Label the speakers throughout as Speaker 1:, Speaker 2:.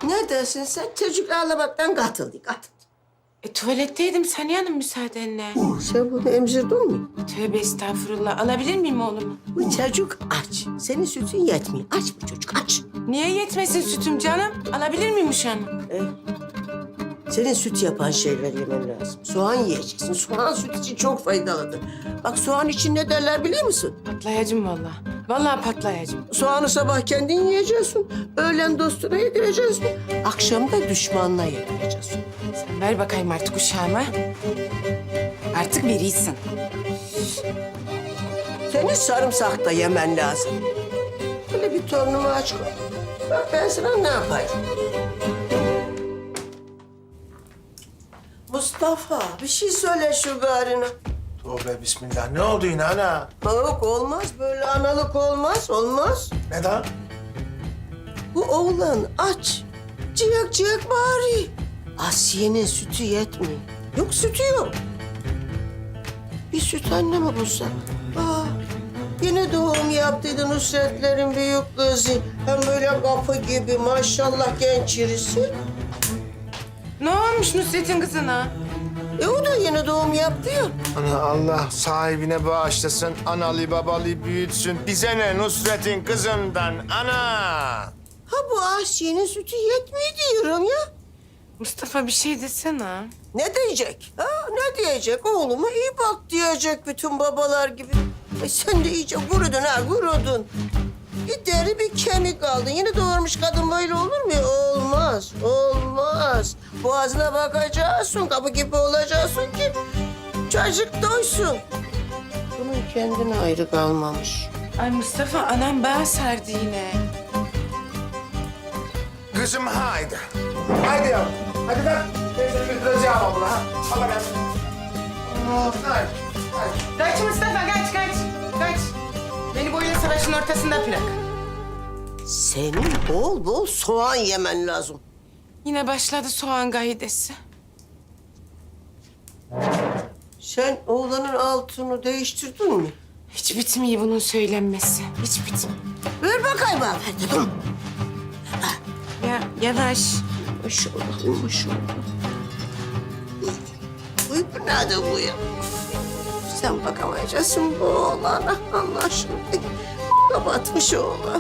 Speaker 1: Ne dersin sen? Çocuk ağlamaktan katıldı.
Speaker 2: Tuvaletteydim Saniye Hanım müsaadenle.
Speaker 1: Sen bunu emzirdin mi?
Speaker 2: Tövbe estağfurullah. Alabilir miyim oğlumu?
Speaker 1: Bu çocuk aç. Senin sütün yetmiyor. Aç bu çocuk, aç.
Speaker 2: Niye yetmesin sütüm canım? Alabilir miyim uşağımı?
Speaker 1: Senin süt yapan şeyler yemen lazım. Soğan yiyeceksin. Soğan süt için çok faydalıdır. Bak soğan için ne derler biliyor musun?
Speaker 2: Patlayacım vallahi. Vallahi patlayacım.
Speaker 1: Soğanı sabah kendin yiyeceksin. Öğlen dostuna yedireceksin. Akşam da düşmanına yedireceksin.
Speaker 2: Sen ver bakayım artık uşağıma. Artık birisin.
Speaker 1: Senin sarımsak da yemen lazım. Böyle bir torunumu aç koy. Bak ben sana ne yapayım. Mustafa bir şey söyle şu garına.
Speaker 3: Tövbe bismillah. Ne oldu yine ana?
Speaker 1: Yok olmaz böyle analık olmaz. Olmaz.
Speaker 3: Neden?
Speaker 1: Bu oğlan aç. Ciyak ciyak bağırıyor. Asiye'nin sütü yetmiyor. Yok sütü yok. Bir süt anne mi bulsak? Yine doğum yaptıydı Nusretlerin büyük kızı. Hem böyle kapı gibi maşallah genç irisi.
Speaker 2: Ne olmuş Nusret'in kızına?
Speaker 1: O da yeni doğum yaptı ya.
Speaker 3: Ana Allah sahibine bağışlasın, analı babalı büyütsün. Bize ne Nusret'in kızından ana?
Speaker 1: Ha bu Asiye'nin sütü yetmiyor diyorum ya.
Speaker 2: Mustafa bir şey desene.
Speaker 1: Ne diyecek? Ne diyecek? Oğluma iyi bak diyecek bütün babalar gibi. Sen de iyice kurudun kurudun. Bir deri bir kemik aldın. Yeni doğurmuş kadın böyle olur mu? Olmaz, olmaz. Boğazına bakacaksın, kapı gibi olacaksın ki çocuk doysun. Bunun kendine ayrı kalmamış.
Speaker 2: Ay Mustafa anam bağ sardı yine.
Speaker 3: Kızım haydi. Haydi yavrum. Hadi kalk. Ben seni götüreceğim abla. Ha? Allah gelsin. Haydi. Haydi.
Speaker 2: Kaç Mustafa kaç. Beni boyun savaşın ortasında bırak.
Speaker 1: Senin bol bol soğan yemen lazım.
Speaker 2: Yine başladı soğan gaidesi.
Speaker 1: Sen oğlanın altını değiştirdin mi?
Speaker 2: Hiç bitmiyor bunun söylenmesi. Hiç bitmiyor.
Speaker 1: Ver bakayım hanımefendi.
Speaker 2: Ya yavaş.
Speaker 1: Maşallah, maşallah. Uy bu nedir bu ya? Sen bakamayacaksın bu oğlana Allah aşkına. Kapatmış oğlan.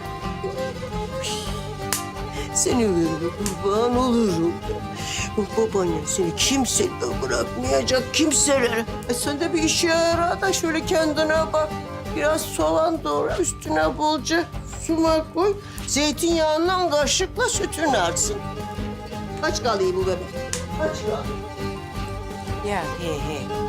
Speaker 1: Seni veririm, kurban olurum. Babaannen seni kimse bırakmayacak, kimselere. Sen de bir işe yara da şöyle kendine bak. Biraz soğan doğra, üstüne bolca sumak koy. Zeytinyağından kaşıkla sütünü arsın. Kaç kalıyor bu bebek? Kaç kalıyor?
Speaker 2: Ya he.